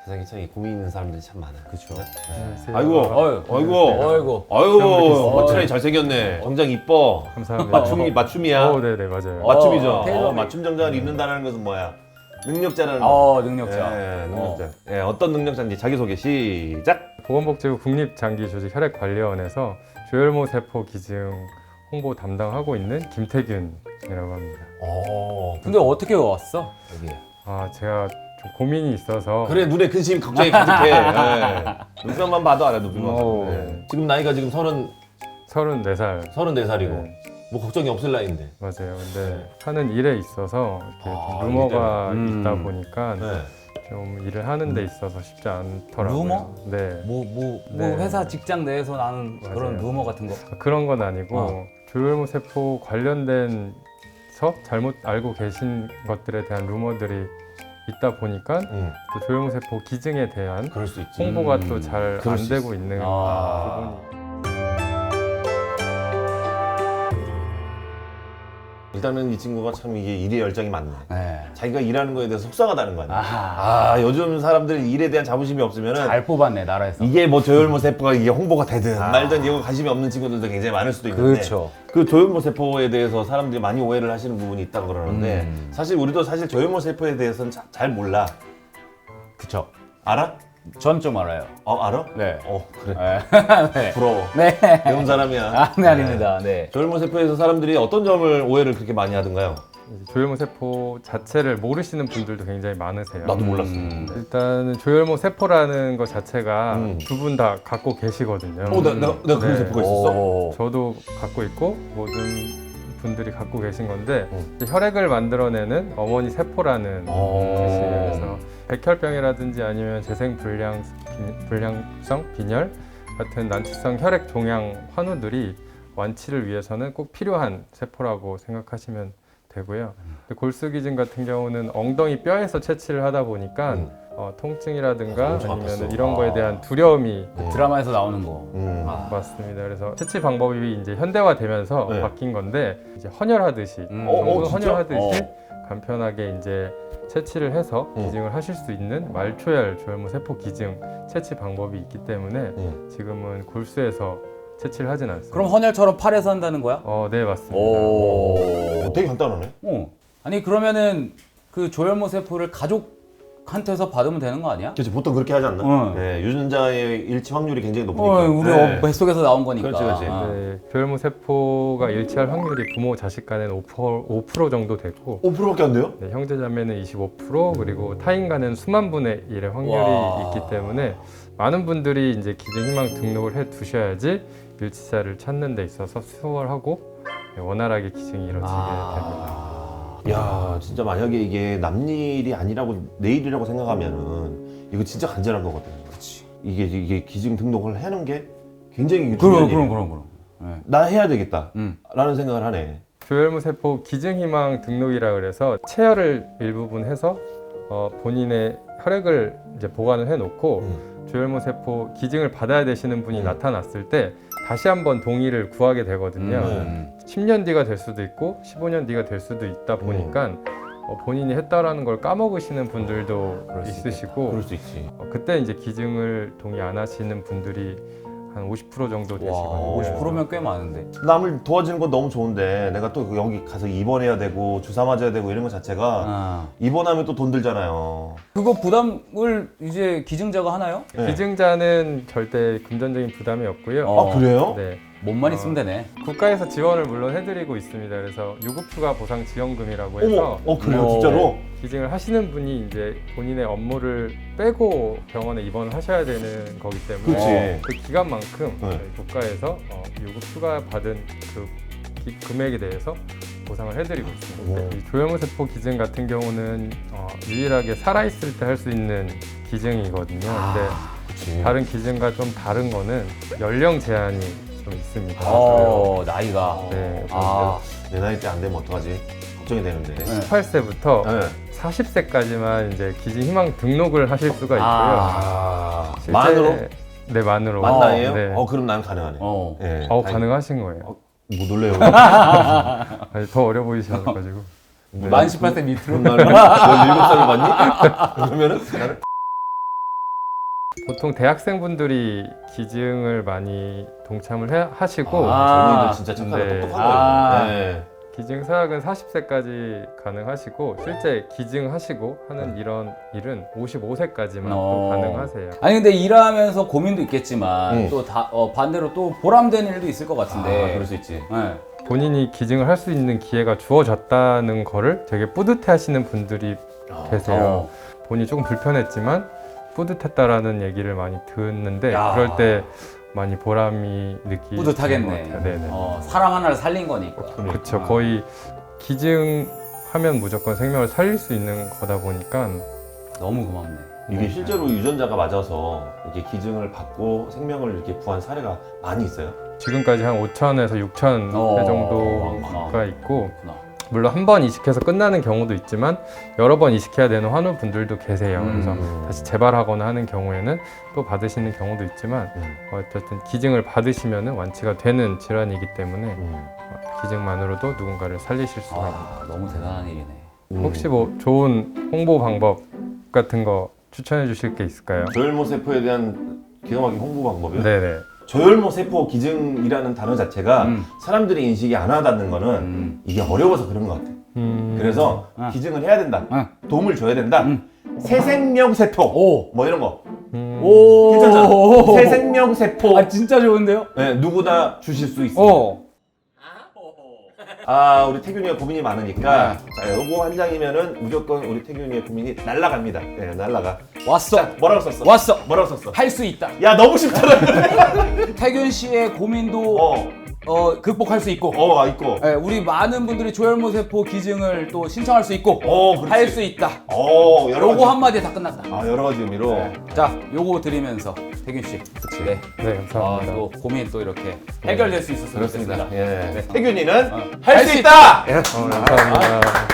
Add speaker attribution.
Speaker 1: 세상에 참 고민 있는 사람들이 참 많아요.
Speaker 2: 그렇죠.
Speaker 1: 아이고, 허트라인 잘생겼네. 정장 이뻐.
Speaker 3: 감사합니다.
Speaker 1: 맞춤이야.
Speaker 3: 네네 맞아요.
Speaker 1: 맞춤이죠.
Speaker 2: 테일러메이드.
Speaker 1: 맞춤 정장을 입는다는 것은 뭐야? 능력자라는 거.
Speaker 2: 능력자.
Speaker 1: 예, 능력자. 예, 어떤 능력자인지 자기소개 시작.
Speaker 3: 보건복지부 국립장기조직혈액관리원에서 조혈모 세포 기증 홍보 담당하고 있는 김태균이라고 합니다.
Speaker 2: 근데 어떻게 왔어? 여기.
Speaker 3: 제가 좀 고민이 있어서
Speaker 1: 그래, 눈에 근심 걱정이 가득해. 예. 눈썹만 봐도 알아, 눈빛만.
Speaker 3: 오.
Speaker 1: 예. 지금 나이가 지금
Speaker 3: 34살
Speaker 1: 34살이고
Speaker 3: 네.
Speaker 1: 뭐 걱정이 없을 나이인데.
Speaker 3: 맞아요. 근데 하는 일에 있어서 이렇게 좀 루머가 있다 보니까
Speaker 1: 네.
Speaker 3: 좀 일을 하는 데 있어서 쉽지 않더라고요.
Speaker 2: 루머?
Speaker 3: 네.
Speaker 2: 뭐
Speaker 3: 네.
Speaker 2: 회사 직장 내에서 나는 그런
Speaker 3: 맞아요.
Speaker 2: 루머 같은 거.
Speaker 3: 그런 건 아니고 조혈모 세포 관련된 잘못 알고 계신 것들에 대한 루머들이 있다 보니까 또 조혈모 세포 기증에 대한
Speaker 1: 그럴 수 있지.
Speaker 3: 홍보가 또 잘
Speaker 1: 그럴
Speaker 3: 안
Speaker 1: 수
Speaker 3: 되고 있는 부분이.
Speaker 1: 일단은 이 친구가 참 이게 일에 열정이 많네.
Speaker 2: 네.
Speaker 1: 자기가 일하는 거에 대해서 속상하다는 거 아니야.
Speaker 2: 아하.
Speaker 1: 요즘 사람들 일에 대한 자부심이 없으면은
Speaker 2: 잘 뽑았네 나라에서.
Speaker 1: 이게 뭐 조혈모 세포가 이게 홍보가 되든 말든 이거 관심이 없는 친구들도 굉장히 많을 수도 있는데
Speaker 2: 그렇죠.
Speaker 1: 그 조혈모 세포에 대해서 사람들이 많이 오해를 하시는 부분이 있다고 그러는데 사실 우리도 사실 조혈모 세포에 대해서는 잘 몰라.
Speaker 2: 그쵸.
Speaker 1: 알아?
Speaker 2: 전 좀 알아요.
Speaker 1: 알아?
Speaker 2: 네.
Speaker 1: 그래.
Speaker 2: 네.
Speaker 1: 부러워.
Speaker 2: 네.
Speaker 1: 배운 사람이야.
Speaker 2: 네, 아닙니다. 네.
Speaker 1: 조혈모 세포에서 사람들이 어떤 점을 오해를 그렇게 많이 하던가요?
Speaker 3: 이제 조혈모 세포 자체를 모르시는 분들도 굉장히 많으세요.
Speaker 1: 나도 몰랐어.
Speaker 3: 일단은 조혈모 세포라는 것 자체가 두 분 다 갖고 계시거든요.
Speaker 1: 내가 그런
Speaker 3: 네.
Speaker 1: 세포가 있었어?
Speaker 3: 저도 갖고 있고 모든 분들이 갖고 계신 건데 이제 혈액을 만들어내는 어머니 세포라는 뜻이에요. 그래서 백혈병이라든지 아니면 재생불량성 빈혈 같은 난치성 혈액 종양 환우들이 완치를 위해서는 꼭 필요한 세포라고 생각하시면 되고요. 골수기증 같은 경우는 엉덩이 뼈에서 채취를 하다 보니까 통증이라든가 아니면 이런 거에 대한 두려움이
Speaker 2: 드라마에서 나오는 거.
Speaker 3: 맞습니다. 그래서 채취 방법이 이제 현대화되면서
Speaker 1: 네.
Speaker 3: 바뀐 건데 이제 헌혈하듯이 전부
Speaker 1: 진짜?
Speaker 3: 헌혈하듯이 간편하게 이제 채취를 해서 기증을 하실 수 있는 말초혈 조혈모 세포 기증 채취 방법이 있기 때문에 지금은 골수에서 채취를 하진 않습니다.
Speaker 2: 그럼 헌혈처럼 팔에서 한다는 거야?
Speaker 3: 네 맞습니다.
Speaker 1: 되게 간단하네.
Speaker 2: 아니 그러면은 그 조혈모 세포를 가족한테서 받으면 되는 거 아니야?
Speaker 1: 그렇지, 보통 그렇게 하지 않나? 네, 유전자의 일치 확률이 굉장히 높으니까.
Speaker 2: 우리 뱃속에서 나온 거니까.
Speaker 1: 그렇지.
Speaker 3: 네, 조혈모 세포가 일치할 확률이 부모 자식 간에는 5% 정도 되고
Speaker 1: 5%밖에 안 돼요?
Speaker 3: 네, 형제자매는 25% 그리고 타인 간은 수만 분의 1의 확률이
Speaker 2: 와.
Speaker 3: 있기 때문에 많은 분들이 이제 기증희망 등록을 해 두셔야지 일치자를 찾는 데 있어서 수월하고 원활하게 기증이 이루어지게 됩니다.
Speaker 1: 야, 진짜 만약에 이게 남일이 아니라고 내일이라고 생각하면은 이거 진짜 간절한 거거든.
Speaker 2: 그렇지.
Speaker 1: 이게 기증 등록을 하는 게 굉장히 중요한 일이에요.
Speaker 2: 그럼. 네.
Speaker 1: 나 해야 되겠다. 라는 생각을 하네.
Speaker 3: 조혈모 세포 기증희망 등록이라 그래서 체혈을 일부분 해서 본인의 혈액을 이제 보관을 해놓고 조혈모 세포 기증을 받아야 되시는 분이 나타났을 때 다시 한번 동의를 구하게 되거든요. 10년 뒤가 될 수도 있고 15년 뒤가 될 수도 있다 보니까 본인이 했다라는 걸 까먹으시는 분들도 있으시고
Speaker 1: 그럴 수 있지.
Speaker 3: 그때 이제 기증을 동의 안 하시는 분들이 한 50% 정도 되시거든요.
Speaker 2: 50%면 꽤 많은데.
Speaker 1: 남을 도와주는 건 너무 좋은데 내가 또 여기 가서 입원해야 되고 주사 맞아야 되고 이런 것 자체가 입원하면 또 돈 들잖아요.
Speaker 2: 그거 부담을 이제 기증자가 하나요?
Speaker 1: 네.
Speaker 3: 기증자는 절대 금전적인 부담이 없고요.
Speaker 1: 그래요?
Speaker 3: 네.
Speaker 2: 몸만 있으면 되네.
Speaker 3: 국가에서 지원을 물론 해드리고 있습니다. 그래서 유급휴가 보상 지원금이라고 해서
Speaker 1: 그래요? 진짜로?
Speaker 3: 기증을 하시는 분이 이제 본인의 업무를 빼고 병원에 입원을 하셔야 되는 거기 때문에 그 기간만큼 저희 국가에서 유급휴가 받은 그 금액에 대해서 보상을 해드리고 있습니다. 이 조혈모 세포 기증 같은 경우는 유일하게 살아있을 때 할 수 있는 기증이거든요. 근데 다른 기증과 좀 다른 거는 연령 제한이 좀 있습니다.
Speaker 2: 나이가.
Speaker 3: 네,
Speaker 1: 내 나이 때 안 되면 어떡하지? 걱정이 되는데.
Speaker 3: 18세부터 40세까지만 이제 기증희망 등록을 하실 수가 있고요. 실제-
Speaker 1: 만으로?
Speaker 3: 네, 만으로.
Speaker 1: 만 나이에요?
Speaker 3: 네.
Speaker 1: 그럼 난 가능하네. 네,
Speaker 3: 가능하신 거예요.
Speaker 1: 뭐 놀래요?
Speaker 3: 아니, 더 어려 보이셔가지고.
Speaker 2: 만 18세 밑으로.
Speaker 1: 넌 나를 17살을 봤니? 그러면은 나는
Speaker 3: 보통 대학생분들이 기증을 많이 동참을 하시고
Speaker 1: 젊은이들 진짜 착하다,
Speaker 3: 네.
Speaker 1: 똑똑한 거예요. 네.
Speaker 3: 기증 서약은 40세까지 가능하시고 실제 기증하시고 하는 이런 일은 55세까지만 또 가능하세요.
Speaker 2: 아니 근데 일하면서 고민도 있겠지만 또 반대로 또 보람된 일도 있을 것 같은데.
Speaker 1: 그럴 수 있지.
Speaker 2: 네.
Speaker 3: 본인이 기증을 할 수 있는 기회가 주어졌다는 거를 되게 뿌듯해 하시는 분들이 계세요. 본인이 조금 불편했지만 뿌듯했다라는 얘기를 많이 듣는데 그럴 때 많이 보람이 느끼는
Speaker 2: 뿌듯하겠네.
Speaker 3: 것 같아요. 네네.
Speaker 2: 사람 하나를 살린 거니까.
Speaker 3: 그렇죠. 거의 기증하면 무조건 생명을 살릴 수 있는 거다 보니까
Speaker 2: 너무 고맙네.
Speaker 1: 이게 실제로 유전자가 맞아서 이렇게 기증을 받고 생명을 이렇게 구한 사례가 많이 있어요.
Speaker 3: 지금까지 한 5,000에서 6,000 회 정도가 있고 물론 한 번 이식해서 끝나는 경우도 있지만 여러 번 이식해야 되는 환우분들도 계세요. 그래서 다시 재발하거나 하는 경우에는 또 받으시는 경우도 있지만 어쨌든 기증을 받으시면 완치가 되는 질환이기 때문에 기증만으로도 누군가를 살리실 수가 있습니다.
Speaker 2: 너무 대단한 일이네.
Speaker 3: 혹시 뭐 좋은 홍보 방법 같은 거 추천해 주실 게 있을까요?
Speaker 1: 저혈모 세포에 대한 기가 막힌 홍보 방법이요?
Speaker 3: 네네.
Speaker 1: 저혈모 세포 기증이라는 단어 자체가 사람들이 인식이 안 와닿는 거는 이게 어려워서 그런 것 같아. 그래서 기증을 해야 된다. 도움을 줘야 된다. 새생명 세포. 뭐 이런 거. 괜찮잖아. 새생명 세포.
Speaker 2: 진짜 좋은데요?
Speaker 1: 네, 누구나 주실 수 있어. 우리 태균이가 고민이 많으니까 자, 요거 한 장이면은 무조건 우리 태균이의 고민이 날라갑니다. 네, 날라가.
Speaker 2: 왔어.
Speaker 1: 자, 뭐라고 썼어?
Speaker 2: 왔어.
Speaker 1: 뭐라고 썼어?
Speaker 2: 할 수 있다.
Speaker 1: 야, 너무 쉽잖아.
Speaker 2: 태균 씨의 고민도 극복할 수 있고.
Speaker 1: 있고.
Speaker 2: 네, 우리 많은 분들이 조혈모 세포 기증을 또 신청할 수 있고.
Speaker 1: 그렇지.
Speaker 2: 할 수 있다.
Speaker 1: 여러
Speaker 2: 요거
Speaker 1: 가지.
Speaker 2: 한마디에 다 끝났다.
Speaker 1: 여러 가지 의미로.
Speaker 2: 자, 요거 드리면서 태균 씨. 네.
Speaker 3: 네, 감사합니다.
Speaker 2: 또 고민 또 이렇게 해결될 수 있었으면
Speaker 1: 그렇습니다.
Speaker 2: 좋겠습니다.
Speaker 1: 예. 태균이는
Speaker 2: 할 수 있다.
Speaker 3: 감사합니다.